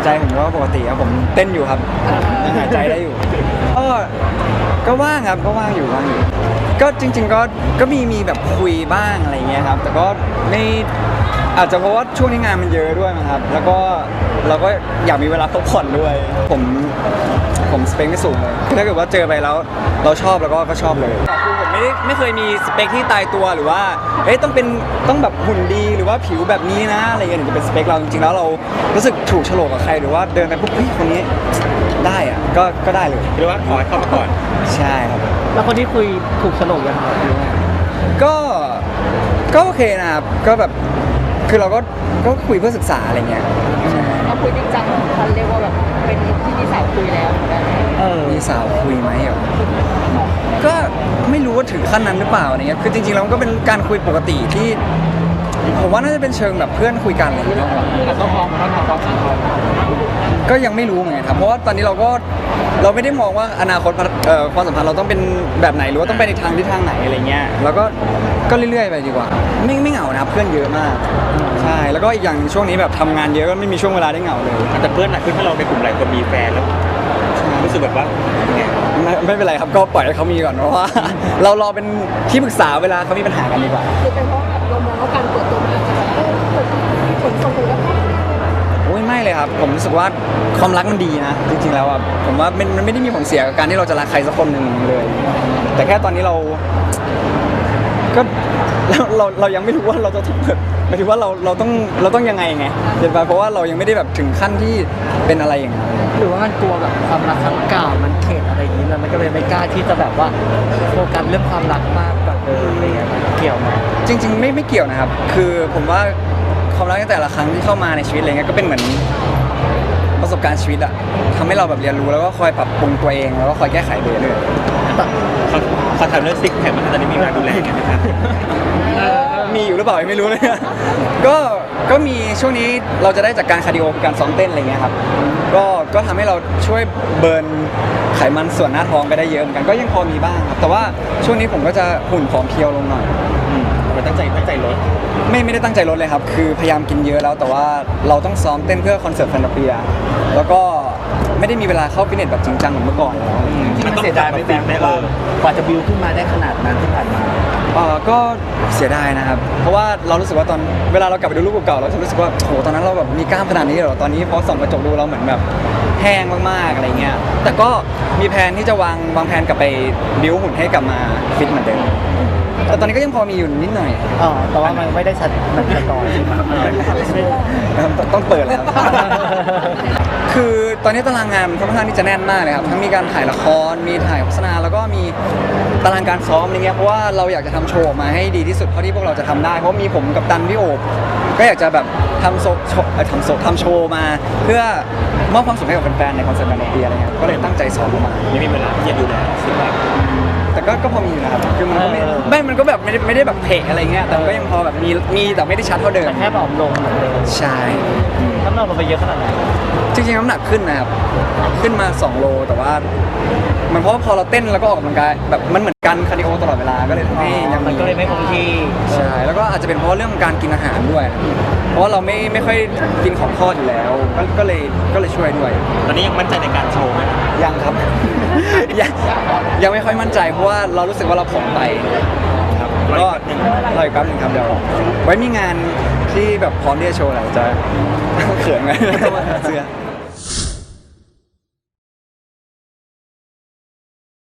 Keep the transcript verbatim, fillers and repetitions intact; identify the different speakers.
Speaker 1: ใจผมก็ปกติครับผมเต้นอยู่ครับยังหายใจได้อยู่ก็ก็ว่างครับก็ว่างอยู่ว่างอยู่ก็จริง ๆ ก็ก็มีมีแบบคุยบ้างอะไรเงี้ยครับแต่ก็ไม่อาจจะเพราะว่าช่วงนี้งานมันเยอะด้วยมั้งครับแล้วก็เราก็อยากมีเวลาพักผ่อนด้วยผมผมสเปคไม่สูงเลยถ้าเกิดว่าเจอไปแล้วเราชอบแล้วก็ก็ชอบเลยคือผมไม่ได้ไม่เคยมีสเปคที่ตายตัวหรือว่าเฮ้ยต้องเป็นต้องแบบหุ่นดีหรือว่าผิวแบบนี้นะอะไรเงี้ยถึงจะเป็นสเปคเราจริงๆแล้วเรารู้สึกถูกโฉลกกับใครหรือว่าเดินไปปุ๊บเฮ้ยคนนี้ได้อะก็ก็ได้เลย
Speaker 2: หรือว่าขอให้เข้ามาก่อน
Speaker 1: ใช่ครับ
Speaker 3: แล้วคนที่คุยถูกโฉลกยังไง
Speaker 1: ก็ก็โอเคนะครับก็แบบคือเราก็ก็คุยเพื่อศึกษาอะไรเงี้ย
Speaker 4: เราคุยจริงจังทันเรียกว่าแบบเป็นที่มีสาวคุยแล้วเหมือนกัน
Speaker 1: เออมีสาวคุยไหมเหรอก็ไม่รู้ว่าถึงขั้นนั้นหรือเปล่าอะไรเงี้ยคือจริงๆแล้วมันก็เป็นการคุยปกติที่ผมว่าน่าจะเป็นเชิงแบบเพื่อนคุยกันอะไรอย่างเงี้ย
Speaker 3: ต้องพร้อมต้องพร้อมต้องพร้อม
Speaker 1: ก็ยังไม่รู้เหมือนกันครับเพราะว่าตอนนี้เราก็เราไม่ได้มองว่าอนาคตเอ่อความสัมพันธ์เราต้องเป็นแบบไหนหรือว่าต้องไปในทางที่ทางไหนอะไรเงี้ยเราก็ก็เรื่อยๆไปดีกว่าไม่ไม่เหงานะครับเพื่อนเยอะมากใช่แล้วก็อีกอย่างช่วงนี้แบบทำงานเยอะก็ไม่มีช่วงเวลาได้เหงาเลย
Speaker 2: แต่เพื่อนหนักขึ้นเพราะเราในกลุ่มหลายคนมีแฟนแล้วรู้สึกแบบว่า
Speaker 1: ไม่ไม่เป็นไรครับก็ปล่อยให้เขามีก่อนเพราะว่าเรารอเป็นที่ปรึกษาเวลาเขามีปัญหากันดีกว่า
Speaker 4: คือเป็นเพราะแบบเรามองว่าการเปิดตัวมันอาจจะแบบเออผลส่งผลกระทบ
Speaker 1: โอ้ยไม่เลยครับผมรู้สึกว่าความรักมันดีนะจริงๆแล้วอ่ะผมว่ามันมันไม่ได้มีผลเสียกับการที่เราจะรักใครสักคนหนึ่งเลย แต่แค่ตอนนี้เราก็เราเราเรายังไม่รู้ว่าเราจะเปิดหมายถึงว่าเราเราต้องเราต้องยังไงไงเห็นป่ะเพราะว่าเรายังไม่ได้แบบถึงขั้นที่เป็นอะไรอย่างนั้น
Speaker 3: หรือว่ามันกลัวแบบความรักครั้งเก่ามันเข็ดอะไรอย่างนี้แล้วมันก็เลยไม่กล้าที่จะแบบว่าโฟกัสเรื่องความรักมากกว่าเดิมอะไรเงี้ยเกี่ยวไหม
Speaker 1: จริงๆไม่ไม่เกี่ยวนะครับคือผมว่าความรักในแต่ละครั้งที่เข้ามาในชีวิตอะไรเงี้ยก็เป็นเหมือนประสบการณ์ชีวิตอะทำให้เราแบบเรียนรู้แล้วก็คอยปรับปรุงตัวเองแล้วก็คอยแก้ไขไปเรื่อย
Speaker 2: เขาเขาทำเรื่องซิกแพคมันตอนนี้มีการดูแลไงไหมครับ
Speaker 1: มีอยู่หรือเปล่าไม่รู้เลยก็ก็มีช่วงนี้เราจะได้จากการคาร์ดิโอการซ้อมเต้นอะไรเงี้ยครับก็ก็ทำให้เราช่วยเบิร์นไขมันส่วนหน้าท้องไปได้เยอะเหมือนกันก็ยังพอมีบ้างครับแต่ว่าช่วงนี้ผมก็จะหุ่นผอมเพรียวลงหน่อย
Speaker 2: มันตั้งใจตั้งใจลด
Speaker 1: ไม่ไม่ได้ตั้งใจลดเลยครับคือพยายามกินเยอะแล้วแต่ว่าเราต้องซ้อมเต้นเพื่อคอนเสิร์ตแฟนตาเปียแล้วก็ไม่ได้มีเวลาเข้าฟิตเนสแบบจริงจังเหมือนเมื่อก่อนแล้ว
Speaker 3: มันเสียดายไม่แบ่งไม่เออกว่าจะบิวขึ้นมาได้ขนาดนั้นที่ผ่านมา
Speaker 1: เออก็เสียดายนะครับเพราะว่าเรารู้สึกว่าตอนเวลาเรากลับไปดูรูปเก่าๆเราจะรู้สึกว่าโหตอนนั้นเราแบบมีกล้ามขนาดนี้เหรอตอนนี้พอส่องกระจกดูเราเหมือนแบบแห้งมากๆอะไรเงี้ยแต่ก็มีแผนที่จะวางวางแผนกลับไปบิวหุ่นให้กลับมาฟิตเหมือนเดิมแต่ตอนนี้ก็ยังพอมีอยู่นิดหน่อย
Speaker 3: อ๋อแต่ว่ามันไม่ได้ชัดมันชัดต่อ
Speaker 1: ต้องเปิดแล้วคือตอนนี้ตารางงานมันค่อนข้างที่จะแน่นมากเลยครับทั้งมีการถ่ายละครมีถ่ายโฆษณาแล้วก็มีตารางการซ้อมอะไรเงี้ยเพราะว่าเราอยากจะทำโชว์ออกมาให้ดีที่สุดเท่าที่พวกเราจะทำได้เพราะมีผมกับตันพี่โอบก็อยากจะแบบทำโซทำโซทำโชว์มาเพื่อมอบความสุขให้กับแฟนๆในคอนเสิร์ตแฟนตาเปียอะไรเงี้ยก็เลยตั้งใจซ้อมมา
Speaker 2: ยังมีเวลาที่จะดูแลสิว่า
Speaker 1: แต่ก็ก็พอมีอยู่นะครับคือมันก็ไม่ไม่มันก็แบบไม่ได้ไม่ได้แบบเพะอะไรเงี้ยแต่ก็ยังพอแบบมีมีแต่ไม่ได้ชัดเท่าเดิม
Speaker 3: แค่ผอมลงเหมือนเดิม
Speaker 1: ใช่
Speaker 3: น้ำหนักลงไปเยอะขนาดไหน
Speaker 1: จริงๆน้ำหนักขึ้นนะครับขึ้นมาสองโลแต่ว่ามันเพราะพอเราเต้นแล้วก็ออกกำลังกายแบบมันเหมือนกันคาร์ดิโอตลอดเวลาก็เลยทำให้ยัง
Speaker 3: มันก็เลยไม่คงที่
Speaker 1: ใช่แล้วก็อาจจะเป็นเพราะเรื่องการกินอาหารด้วยเพราะว่าเราไม่ไม่ค่อยกินของทอดอยู่แล้วก็เลยก็เลยช่วยด้วย
Speaker 2: ตอนนี้ยังมั่นใจในการโชว์ไหม
Speaker 1: ยังครับยังยังไม่ค่อยมั่นใจเพราะว่าเรารู้สึกว่าเราผอมไปครับก็รออีกแป๊บนึงครับเดี๋ยวไว้มีงานที่แบบพร้อมที่จะโชว์แล้วจะเขินไงเสื้อ